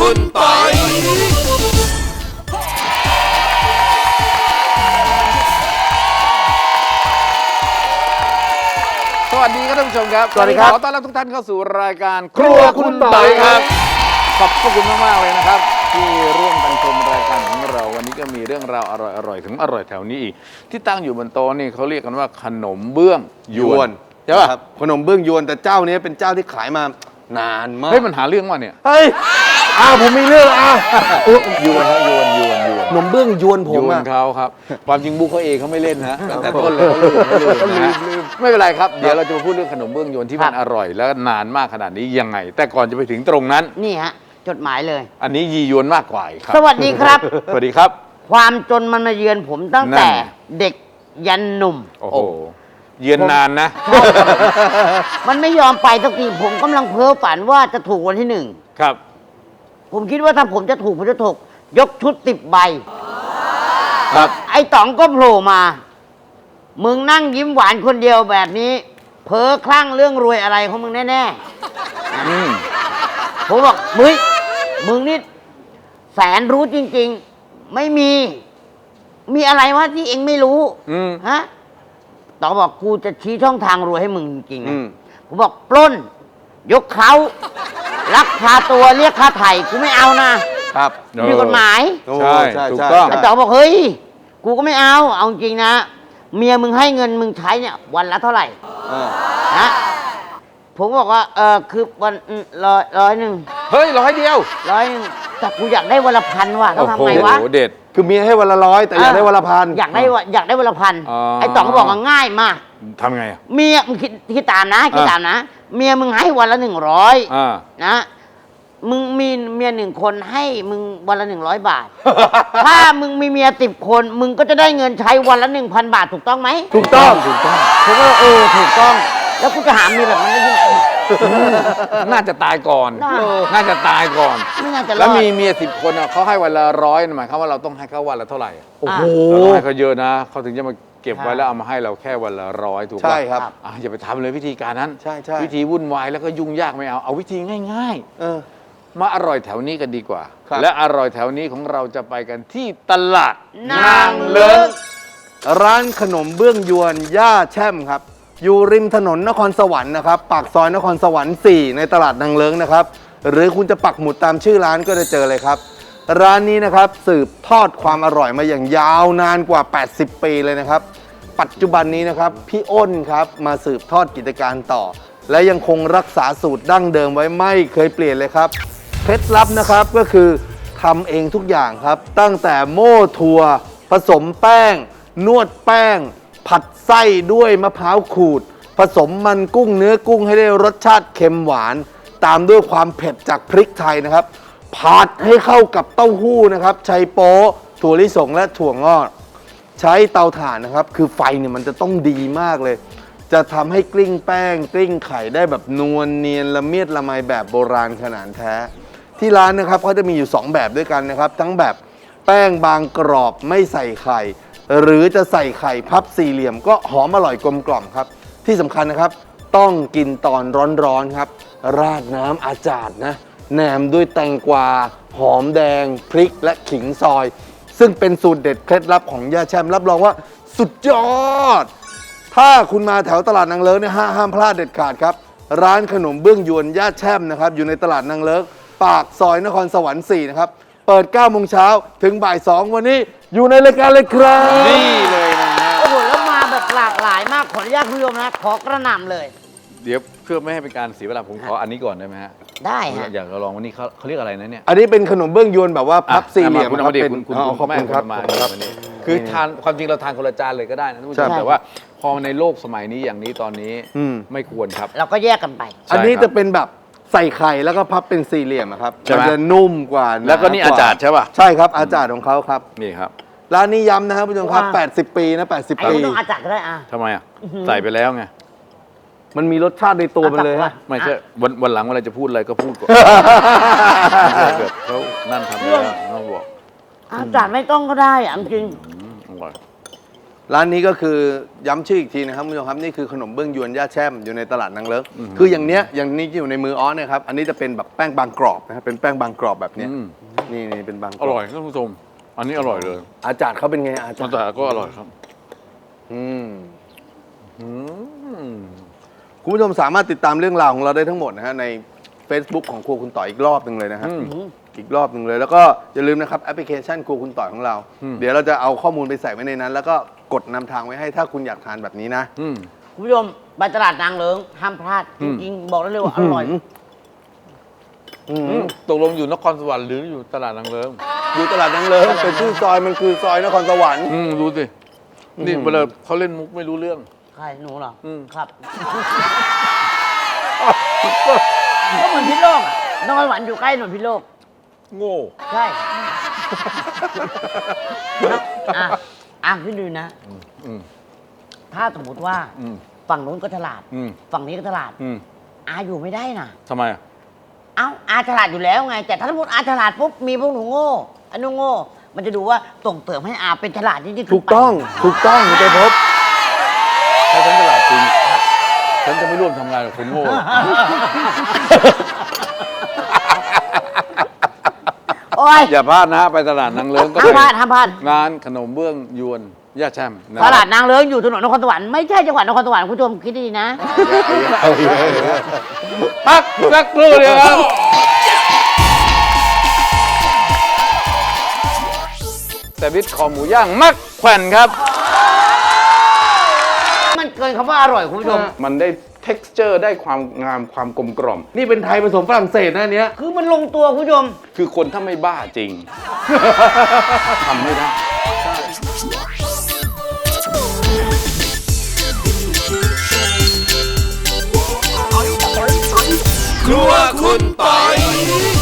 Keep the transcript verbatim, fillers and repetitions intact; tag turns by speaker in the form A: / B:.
A: คุณปอยสวัสดีครับท่านผู้ชมครับ
B: สวัสดีครับ
A: ขอต้อนรับทุกท่านเข้าสู่รายการครัวคุณปอยครับขอบคุณมากๆเลยนะครับที่ร่วมกันชมรายการของเราวันนี้ก็มีเรื่องราวอร่อยๆถึงอร่อยแถวนี้อีกที่ตั้งอยู่บนโต๊ะนี่เขาเรียกกันว่าขนมเบื้องยวนใช่ป่ะ
B: ขนมเบื้องยวนแต่เจ้านี้เป็นเจ้าที่ขายมานานมาก
A: เฮ้ยมันหาเรื่องว่ะเนี่ย
B: เฮ้ยอ้าวผมมีเรื่องอ้าวย
A: วนฮะยวนยวนยวน
B: ขนมเบื้องยวนผม
A: ยวน
B: อะ
A: เขาครับความจริงบุ๊กเขาเองเขาไม่เล่นฮะตั้งแต่ต้นเลยเขาลืมเขาลืมนะฮะไม่เป็นไรครับเดี๋ยวเราจะมาพูดเรื่องขนมเบื้องยวนที่มันอร่อยแล้วนานมากขนาดนี้ยังไง แต่ก่อนจะไปถึงตรงนั้น
C: นี่ฮะจดหมายเลย
A: อันนี้ยียวนมากกว่าอีกครับ
C: สวัสดีครับ
A: สวัสดีครับ
C: ความจนมันมาเยือนผมตั้งแต่
A: นั่น
C: เด็กยันหนุ่ม
A: โอ้โหเยือนนานนะ
C: มันไม่ยอมไปสักทีผมกำลังเพ้อฝันว่าจะถูกวันที่หนึ่ง
A: ครับ
C: ผมคิดว่าถ้าผมจะถูกผมจะถูกยกชุดติบใบ
A: ครับ
C: ไอ้ต๋องก็โผล่มา มึงนั่งยิ้มหวานคนเดียวแบบนี้ เพ้อคลั่งเรื่องรวยอะไรของมึงแน่
A: อืม
C: ๆผมบอกมึงมึงนี่แสนรู้จริง ๆ ไม่มี มีอะไรวะที่เองไม่รู้
A: อืม
C: ฮะต๋องบอกกูจะชี้ช่องทางรวยให้มึงจริงๆ
B: อื
C: นะ
B: ม
C: ผมบอกปล้น ยกเขาลักพาตัวเรียกค่าไถ่กูไม่เอานะครับ ผิดกฎหมาย
B: โอ้
A: ใช่
B: ใช่
A: ถูก
B: ใช่
A: ต้อง
C: ไอ้ต๋องบอกเฮ้ยกูก็ไม่เอา เอาจริงนะ เมียมึงให้เงินมึงใช้เนี่ย วันละเท่าไหร่
B: เออ
C: นะผมบอกว่าเออคือวันร้อยร้อยหนึ่ง
A: เฮ้ยร้อยเดียว
C: ร้อยหนึ่งแต่กูอยากได้วันละพันว่ะต้อ
A: โอ้
C: งทำ
A: โห
C: ไงวะ
A: เด็ด
B: คือเมียให้วันละร้อยแต่อยากได้วันละพัน
C: อยากได้วะอยากได้วันละพัน
A: อ๋อ
C: ไอ้ต๋องก็บอกว่าง่ายมาก
A: ทำไงอ่ะ
C: เมียมึงคิดคิดตามนะคิด
A: อ่ะ
C: ตามนะ เมียมึงให้วันละหนึ่งร้อย
A: อ่า
C: นะมึงมีเมียหนึ่งคนให้มึงวันละหนึ่งร้อยบาท ถ้ามึงมีเมียสิบคน มึงก็จะได้เงินใช้วันละหนึ่งพันบาทถูกต้องไหม
B: ถูกต้อง
A: ถูกต้อง
C: ผมก็เออถูกต้อง แล้วกูจะหาเมียแบบนั้นได้ที่ไหน
A: น่าจะตายก่อน
C: น่า
A: น่าจะตายก่อน
C: ไม่น่าจะร
A: แล้ว
C: อด
A: มีเมียสิบคนอ่ะเขาให้วันละร้อยหมายความว่าเราต้องให้เขาวันละเท่าไหร่อะ
B: โอ้โห
A: เราต้องให้เขาเยอะนะเขาถึงจะมาเก็บไว้
C: ใช่
A: แล้วเอามาให้เราแค่วันละร้อยถูกป่ะ
B: ใช่ครับ
A: อ่ะอย่าไปทำเลยวิธีการนั้น
B: ใช่ใช่
A: วิธีวุ่นวายแล้วก็ยุ่งยากไม่เอาเอาวิธีง่าย
B: เออ
A: ๆ มาอร่อยแถวนี้กันดีกว่า
B: ครับ
A: และอร่อยแถวนี้ของเราจะไปกันที่ตลาด
C: นางเลิ้ง
B: ร้านขนมเบื้องยวนย่าแช่มครับ อยู่ริมถนนนครสวรรค์นะครับปากซอยนครสวรรค์สี่ในตลาดนางเลิ้งนะครับ หรือคุณจะปักหมุดตามชื่อร้านก็จะเจอเลยครับ ร้านนี้นะครับสืบทอดความอร่อยมาอย่างยาวนานกว่า แปดสิบ ปีเลยนะครับ ปัจจุบันนี้นะครับพี่อ้นครับมาสืบทอดกิจการต่อ และยังคงรักษาสูตรดั้งเดิมไว้ไม่เคยเปลี่ยนเลยครับเคล็ดลับนะครับก็คือทำเองทุกอย่างครับ ตั้งแต่โม่ถั่วผสมแป้ง นวดแป้ง ผัดไส้ด้วยมะพร้าวขูด ผสมมันกุ้งเนื้อกุ้งให้ได้รสชาติเค็มหวาน ตามด้วยความเผ็ดจากพริกไทยนะครับผัดให้เข้ากับเต้าหู้นะครับใช้โป๊ะถั่วลิสงและถั่วงอกใช้เตาถ่านนะครับคือไฟเนี่ยมันจะต้องดีมากเลย จะทำให้กลิ้งแป้งกลิ้งไข่ได้แบบนวลเนียนละเมียดละไมแบบโบราณขนาดแท้ ที่ร้านนะครับเขาจะมีอยู่สองแบบด้วยกันนะครับทั้งแบบแป้งบางกรอบไม่ใส่ไข่ หรือจะใส่ไข่พับสี่เหลี่ยมก็หอมอร่อยกลมกล่อมครับที่สำคัญนะครับต้องกินตอนร้อนๆครับราดน้ำอาจาดนะแหนมด้วยแตงกวาหอมแดงพริกและขิงซอย ซึ่งเป็นสูตรเด็ดเคล็ดลับของย่าแช่มรับรองว่าสุดยอด ถ้าคุณมาแถวตลาดนางเลิ้งเนี่ยห้ามพลาดเด็ดขาดครับร้านขนมเบื้องยวนย่าแช่มนะครับอยู่ในตลาดนางเลิ้งปากซอยนครสวรรค์สี่นะครับเปิดเก้าโมงเช้าถึงบ่ายสองวันนี้อยู่ในรายการเลยครับ
A: นี่เลยนะฮะ
C: โอ้โหแล้วมาแบบหลากหลายมากขออนุญาตคุณผู้ชมนะขอกระหน่ำเลย
A: เดี๋ยวเพื่อไม่ให้เป็นการเสียเวลาผมขออันนี้ก่อนได้ไหมฮะ
C: ได้ฮะ
A: อยากจะลองวันนี้เขาเขาเรียกอะไรนะเนี่ย
B: อันนี้เป็นขนมเบื้องยวนแบบว่าพับสี่เหลี่ยม
A: คุณเอามาดิคุณคุณ
B: อ๋อ
A: คุณ
B: ขอบ
A: แม่
B: คุณ
A: คุ
B: ครับ
A: ณมา
B: ขอบคุณครับ
A: วันนี้คือทานความจริงเราทานคนละจานเลยก็ได้นะท่านผู้ช
B: ใช่
A: มแต่ว่าพอในโลกสมัยนี้อย่างนี้ตอนนี้
B: อืม
A: ไม่ควรครับ
C: เราก็แยกกันไป
B: อันนี้
A: ใช่ครับ
B: จะเป็นแบบใส่ไข่แล้วก็พับเป็นสี่เหลี่ยมอะครับ
A: ใช่ไหม
B: มันจะนุ่มกว่าหา
A: แล้วก็นี่อาจารย์ใช่ป่ะ
B: ใช่ครับอาจารย์ของเขาครับ
A: นี่ครับ
B: ร้านนี้ย้ำนะครับผู้ชมครับ
C: ว้า
B: แปดสิบ ปีนะแปดสิบ
C: ไอ้
B: ปี
C: ไม่ต้องอาจัดก็ได้อ่ะ
A: ทำไมอ่ะใส่ไปแล้วไง
B: มันมีรสชาติในตัวมันเลย
C: อาจาร
B: ฮะ
C: ย์
A: ไม่ใช่วันวันหลังเวลาจะพูดอะไรก็พูดก่อนแบบเขานั่นทำไปแล้วเขาบอก
C: อาจัดไม่ต้องก็ได้อ่ะจริง
A: อืมอร่อย
B: ร้านนี้ก็คือย้ำชื่ออีกทีนะครับคุณผู้ชมครับนี่คือขนมเบื้องยวนย่าแช่มอยู่ในตลาดนางเลิ้งคืออย่างเนี้ยอย่างนี้ที่อยู่ในมืออ้อเนี่ยครับอันนี้จะเป็นแบบแป้งบางกรอบนะครับเป็นแป้งบางกรอบแบบเนี้ย
A: อืม
B: นี่นี่เป็นบางก
A: อ
B: รอบ
A: ร่อยท่านผู้ชม อันนี้อร่อยเลย
B: อาจารย์เขาเป็นไงอาจาร
A: มัน
B: ย์
A: แต่ก็อร่อยครับ
B: อืม
A: อืม
B: คุณผู้ชมสามารถติดตามเรื่องราวของเราได้ทั้งหมดนะฮะใน Facebook ของครัวคุณต่อยอีกรอบหนึ่งเลยนะฮะ
A: อืม
B: อีกรอบหนึ่งเลย แล้วก็อย่าลืมนะครับแอปพลิเคชันครัวคุณต่อยของเรา
A: อืม
B: เดี๋ยวเราจะเอาข้อมูลไปใส่ไว้ในนั้น แล้วก็กดนำทางไว้ให้ถ้าคุณอยากทานแบบนี้นะ
A: อืม
C: คุณผู้ชมไปตลาดนางเลิงห้ามพลาด
A: อื
C: จ
A: ม
C: ริงๆบอกได้เลยว่าอร่อย
B: อืม
A: อืมตกลงอยู่นครสวรรค์หรืออยู่ตลาดนางเลิ้ง
B: อยู่ตลาดนางเลิ้งเป็นชื่อซอยมันคือซอยนครสวรรค์
A: อืมดูสิ นี่
B: อืม
A: เวลาเขาเล่นมุกไม่รู้เรื่อง
C: ใครหนูเหรออ
A: ม
C: ครับ ก็เหมือนพิษโลกอะนครสวรรค์อยู่ใกล้ถนนพิษโลก
A: โง่
C: ใช่อ่ะอ่ะพี่ดูนะ
A: อืม
C: ถ้าสมมติว่า
A: อืม
C: ฝั่งนู้นก็ตลาด
A: อืม
C: ฝั่งนี้ก็ตลาด
A: อืม
C: อาอยู่ไม่ได้นะ
A: ทำไมอ่ะ
C: เอ้าอาฉลาดอยู่แล้วไง แต่ถ้าสมมติอาฉลาดปุ๊บมีพวกหนูโง่อันนู้นโง่ มันจะดูว่าส่งเสริมให้อาเป็นฉลาดจริงๆ
B: ถูกต้องถูกต้องคุณใจพบ
A: ถ้าฉันตลาดจริง ฉันจะไม่ร่วมทำงานกับคนโง่
C: โอ้ย
A: อย่าพลาดนะ ไปตลาดนางเลิ้งก็
C: ห้าม
A: เป็น
C: พลาดห้ามพลาด
A: งานขนมเบื้องยวนย่าแช่มนะ
C: ตลาดนางเลิ้งอยู่ถนนนครสวรรค์ไม่ใช่จังหวัดนครสวรรค์คุณผู้ชมคิดดีๆนะ
A: พักสักครู่เดียวครับ แต่บิดคอหมูย่างมักแขวนครับ
C: มันเกินคำว่าอร่อยคุณผู้ชม
A: มันได้ texture ได้ความงามความกลมกล่อม
B: นี่เป็นไทยผสมฝรั่งเศสนะอันเนี้ย
C: คือมันลงตัวคุณผู้ชม
A: คือคนถ้าไม่บ้าจริง ทำไม่ได้
D: ครัวคุณปอย